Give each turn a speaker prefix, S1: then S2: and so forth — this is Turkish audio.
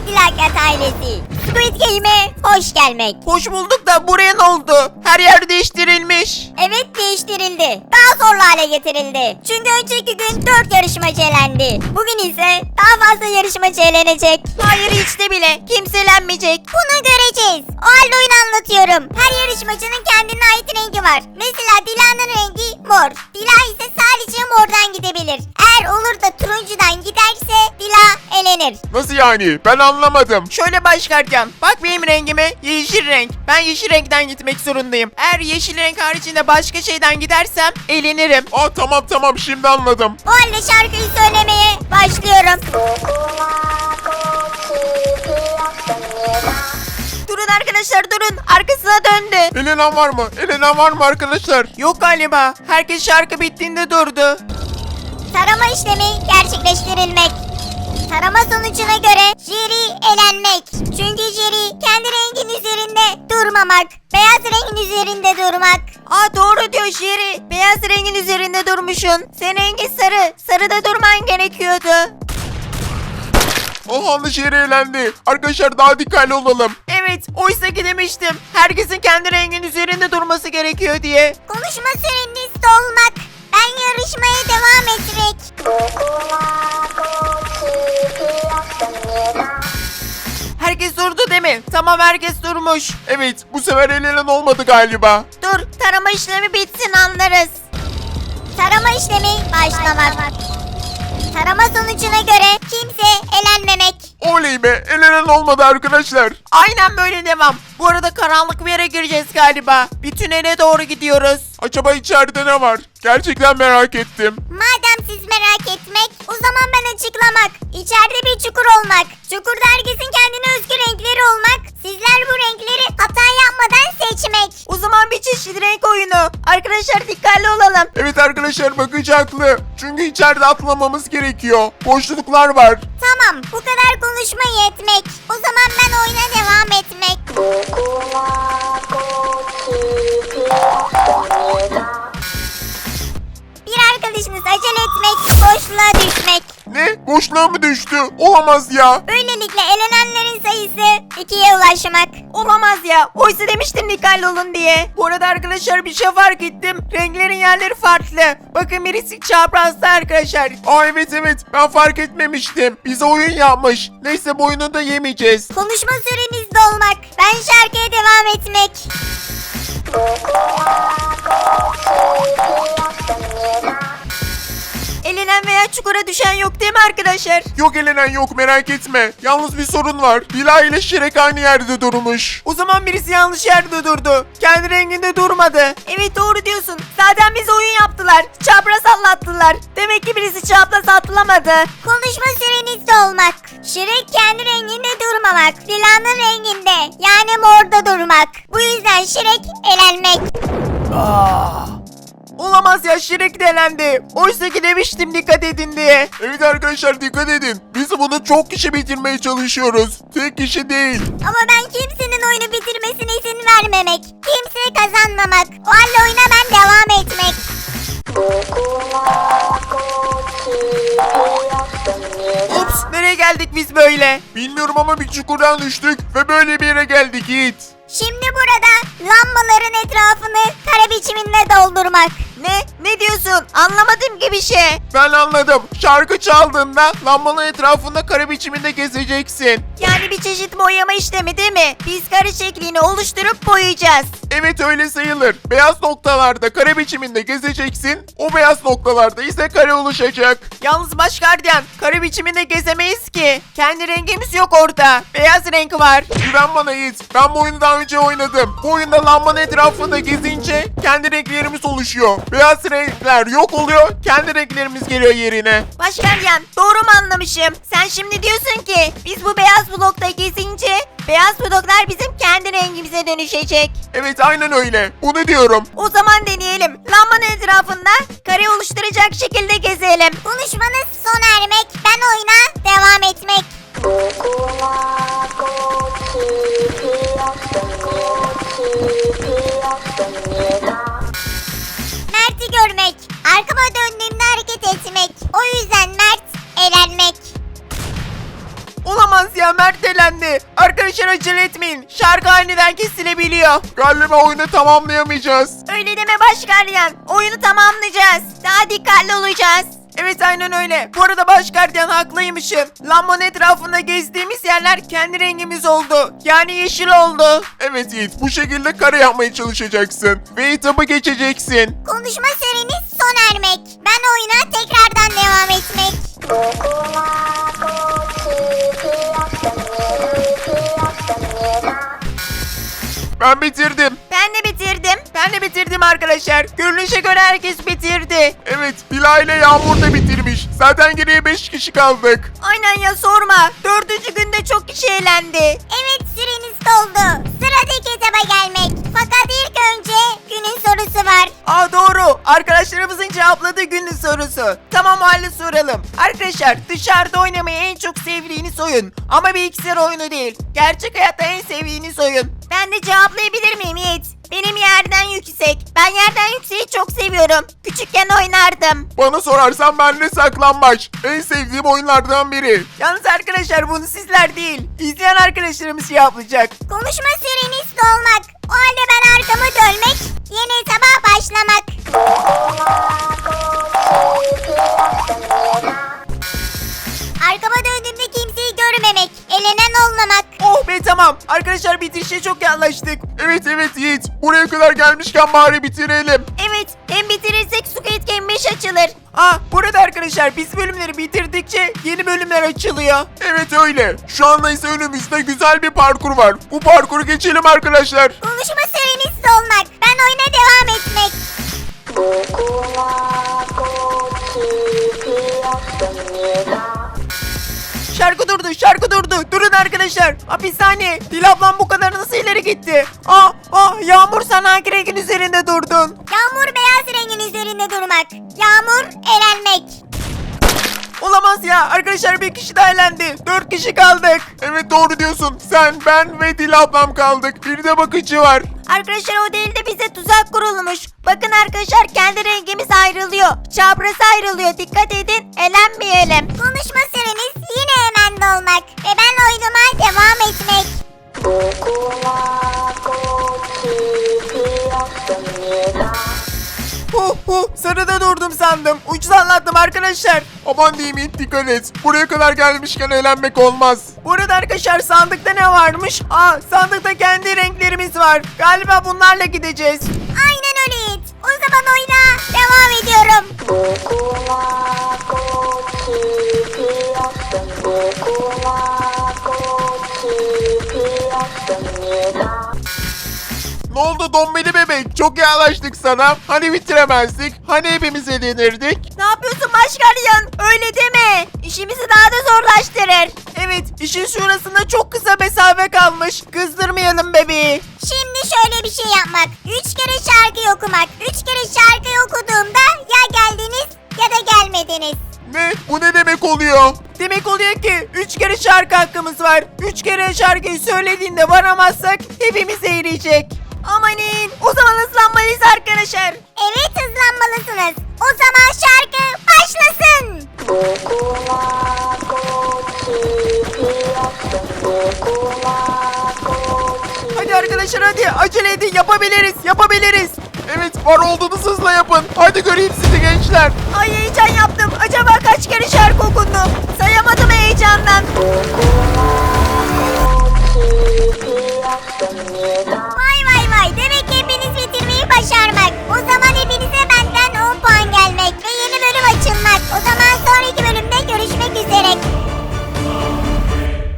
S1: Evet Dilakat ailesi. Squid Game'e hoş gelmek.
S2: Hoş bulduk da buraya ne oldu? Her yer değiştirilmiş.
S1: Evet değiştirildi. Daha zorlu hale getirildi. Çünkü önceki gün 4 yarışmacı elendi. Bugün ise daha fazla yarışmacı elenecek.
S2: Hayır hiç de bile. Kimse elenmeyecek.
S1: Bunu göreceğiz. O halde oyunu anlatıyorum. Her yarışmacının kendine ait rengi var. Mesela Dila'nın rengi mor. Dila ise sadece mordan gidebilir. Eğer olur da turuncudan giderse Dila elenir.
S3: Nasıl yani? Ben anlamadım.
S2: Şöyle başlarken bak benim rengime yeşil renk. Ben yeşil renkten gitmek zorundayım. Eğer yeşil renk haricinde başka şeyden gidersem elenirim.
S3: Aa tamam şimdi anladım.
S1: O halde şarkıyı söylemeye başlıyorum.
S2: Durun arkadaşlar durun. Arkasına döndü.
S3: Elenen var mı? Elenen var mı arkadaşlar?
S2: Yok galiba. Herkes şarkı bittiğinde durdu.
S1: Tarama işlemi gerçekleştirilmek. Tarama sonucuna göre jüri elenmek. Çünkü jüri kendi rengin üzerinde durmamak. Beyaz rengin üzerinde durmak.
S2: Aa doğru diyor Jerry. Beyaz rengin üzerinde durmuşsun. Senin rengin sarı. Sarıda durman gerekiyordu.
S3: Yanlış yere eğlendi. Arkadaşlar daha dikkatli olalım.
S2: Evet oysa ki demiştim. Herkesin kendi rengin üzerinde durması gerekiyor diye.
S1: Konuşma süreniz dolmak. Ben yarışmaya devam etmek.
S2: Herkes durdu değil mi? Tamam herkes durmuş.
S3: Evet bu sefer elenen olmadı galiba.
S2: Dur tarama işlemi bitsin anlarız.
S1: Tarama işlemi başlamak. Tarama sonucuna göre kimse elenmemek.
S3: Oley be, elenen olmadı arkadaşlar.
S2: Aynen böyle devam. Bu arada karanlık bir yere gireceğiz galiba. Bir tünele doğru gidiyoruz.
S3: Acaba içeride ne var? Gerçekten merak ettim.
S1: Madem siz merak etmek, o zaman ben açıklamak. İçeride bir çukur olmak. Çukurda herkesin kendine özgü renkleri olmak. Sizler bu renkleri hata yapmadan seçmek.
S2: O zaman bir çeşit renk oyunu. Arkadaşlar dikkatli olalım.
S3: Evet arkadaşlar bakıcı haklı. Çünkü içeride atlamamız gerekiyor. Boşluklar var.
S1: Tamam, bu kadar konuşma yetmek. O zaman ben oyuna devam etmek. Bir arkadaşınız acele etmek, boşluğa düşmek.
S3: Ne? Boşluğa mı düştü? Olamaz ya.
S1: Böylelikle elenenlerin sayısı 2'ye ulaşmak.
S2: Olamaz ya. Oysa demiştim dikkatli olun diye. Bu arada arkadaşlar bir şey fark ettim. Renklerin yerleri farklı. Bakın birisi çaprazda arkadaşlar.
S3: Aa evet ben fark etmemiştim. Bize oyun yapmış. Neyse bu oyunu da yemeyeceğiz.
S1: Konuşma süreniz dolmak. Ben şarkıya devam etmek.
S2: Elenen veya çukura düşen yok değil mi arkadaşlar?
S3: Yok elenen yok merak etme. Yalnız bir sorun var. Dila ile Şirek aynı yerde durmuş.
S2: O zaman birisi yanlış yerde durdu. Kendi renginde durmadı. Evet doğru diyorsun. Zaten bize oyun yaptılar. Çapraz atlattılar. Demek ki birisi çapraz atlamadı.
S1: Konuşma süreniz dolmak. Şirek kendi renginde durmamak. Dila'nın renginde yani morda durmak. Bu yüzden Şirek elenmek.
S2: Olamaz ya Şirek de elendi. Oysa ki demiştim dikkat edin diye.
S3: Evet arkadaşlar dikkat edin. Biz bunu çok kişi bitirmeye çalışıyoruz. Tek kişi değil.
S1: Ama ben kimsenin oyunu bitirmesine izin vermemek. Kimse kazanmamak. O halde oyuna ben devam etmek.
S2: Ups nereye geldik biz böyle?
S3: Bilmiyorum ama bir çukurdan düştük ve böyle bir yere geldik Yiğit.
S1: Şimdi burada lambaların etrafını kare biçiminde doldurmak.
S2: Ne diyorsun? Anlamadım ki bir şey.
S3: Ben anladım. Şarkı çaldığında lambanın etrafında kare biçiminde gezeceksin.
S2: Yani bir çeşit boyama işlemi değil mi? Biz kare şeklini oluşturup boyayacağız.
S3: Evet öyle sayılır. Beyaz noktalarda kare biçiminde gezeceksin. O beyaz noktalarda ise kare oluşacak.
S2: Yalnız baş gardiyan kare biçiminde gezemeyiz ki. Kendi rengimiz yok orada. Beyaz renk var.
S3: Güven bana Yiğit. Ben bu oyunu daha önce oynadım. Bu oyunda lambanın etrafında gezince kendi renklerimiz oluşuyor. Beyaz renkler yok oluyor. Kendi renklerimiz geliyor yerine.
S2: Baş gardiyan doğru mu anlamışım? Sen şimdi diyorsun ki biz bu beyaz blokta gezince beyaz bloklar bizim kendi rengimize dönüşecek.
S3: Evet aynen öyle. Bunu diyorum.
S2: O zaman deneyelim. Lambanın etrafında kare oluşturacak şekilde gezelim.
S1: Konuşmanız sona ermek. Ben oyuna devam etmek. Mert'i görmek. Arkama döndüğümde hareket etmek. O yüzden Mert elenmek.
S2: Olamaz ya Mert elendi. Arkadaşlar acele etmeyin. Şarkı aniden kesilebiliyor.
S3: Galiba oyunu tamamlayamayacağız.
S2: Öyle deme Başgardiyan. Oyunu tamamlayacağız. Daha dikkatli olacağız. Evet aynen öyle. Bu arada Başgardiyan haklıymışım. Lambanın etrafında gezdiğimiz yerler kendi rengimiz oldu. Yani yeşil oldu.
S3: Evet Yiğit, bu şekilde kare yapmaya çalışacaksın. Ve etabı geçeceksin.
S1: Konuşma süreniz sona ermek. Ben oyuna tekrardan devam etmek.
S3: Ben bitirdim.
S2: Ben de bitirdim. Ben de bitirdim arkadaşlar. Görünüşe göre herkes bitirdi.
S3: Evet, Bila ile Yağmur da bitirmiş. Zaten geriye 5 kişi kaldık.
S2: Aynen ya sorma. 4. günde çok kişi eğlendi.
S1: Evet süreniz doldu. Sıradaki etaba gelmek. Fakat ilk önce günün sorusu var.
S2: Aa doğru. Arkadaşlarımızın cevapladığı günün sorusu. Tamam o halde soralım. Arkadaşlar dışarıda oynamayı en çok sevdiğiniz oyun. Ama bilgisayar oyunu değil. Gerçek hayatta en sevdiğiniz oyun. Ben de cevaplayabilir miyim Yiğit? Benim yerden yüksek. Ben yerden yükseği çok seviyorum. Küçükken oynardım.
S3: Bana sorarsan ben de saklambaç. En sevdiğim oyunlardan biri.
S2: Yalnız arkadaşlar bunu sizler değil. İzleyen arkadaşlarımız cevaplayacak.
S1: Konuşma süreniz dolmak. O halde ben arkamı dönmek. Yeni etaba başlamak. Arkama döndüğümde kimseyi görmemek. Elenen olmamak.
S2: Oh be tamam. Arkadaşlar bitirişe çok yaklaştık.
S3: Evet Yiğit, buraya kadar gelmişken bari bitirelim.
S2: Evet, hem bitirirsek Squid Game 5 açılır. Burada arkadaşlar biz bölümleri bitirdikçe yeni bölümler açılıyor.
S3: Evet öyle. Şu anda ise önümüzde güzel bir parkur var. Bu parkuru geçelim arkadaşlar.
S1: Konuşma süreniz dolmak. Ben oyuna devam etmek.
S2: Şarkı durdu. Durun arkadaşlar. Bir saniye. Dil ablam bu kadar nasıl ileri gitti? Yağmur sen hangi rengin üzerinde durdun?
S1: Yağmur beyaz rengin üzerinde durmak. Yağmur elenmek.
S2: Olamaz ya. Arkadaşlar bir kişi daha elendi. 4 kişi kaldık.
S3: Evet doğru diyorsun. Sen, ben ve Dil ablam kaldık. Bir de bakıcı var.
S2: Arkadaşlar o değil de bize tuzak kurulmuş. Bakın arkadaşlar kendi rengimiz ayrılıyor. Çapraz ayrılıyor. Dikkat edin. Elenmeyelim.
S1: Konuşma süreniz yine hemen dolmak. Ve ben oyunuma devam etmek.
S2: Sarıda durdum sandım. Ucuz anlattım arkadaşlar.
S3: Aman diyeyim Yiğit, dikkat et. Buraya kadar gelmişken eğlenmek olmaz.
S2: Bu arada arkadaşlar sandıkta ne varmış? Sandıkta kendi renklerimiz var. Galiba bunlarla gideceğiz.
S1: Aynen öyle Yiğit. O zaman oyuna devam ediyorum.
S3: Ne oldu Dombili bebek? Çok yaklaştık sana. Hani bitiremezdik? Hani hepimiz eğlenirdik?
S2: Ne yapıyorsun Başgardiyan? Öyle deme. İşimizi daha da zorlaştırır. Evet, işin şurasında çok kısa mesafe kalmış. Kızdırmayalım bebeği.
S1: Şimdi şöyle bir şey yapmak. 3 kere şarkı okumak. 3 kere şarkıyı okuduğumda ya geldiniz ya da gelmediniz.
S3: Ne? Bu ne demek oluyor?
S2: Demek oluyor ki 3 kere şarkı hakkımız var. 3 kere şarkıyı söylediğinde varamazsak hepimiz eğleyecek. Amanin, o zaman hızlanmalıyız arkadaşlar.
S1: Evet hızlanmalısınız. O zaman şarkı başlasın.
S2: Hadi arkadaşlar hadi acele edin, yapabiliriz.
S3: Evet, var olduğunuz hızla yapın. Hadi göreyim sizi gençler.
S2: Ay heyecan yaptım. Acaba kaç kere şarkı okundu? Sayamadım heyecandan.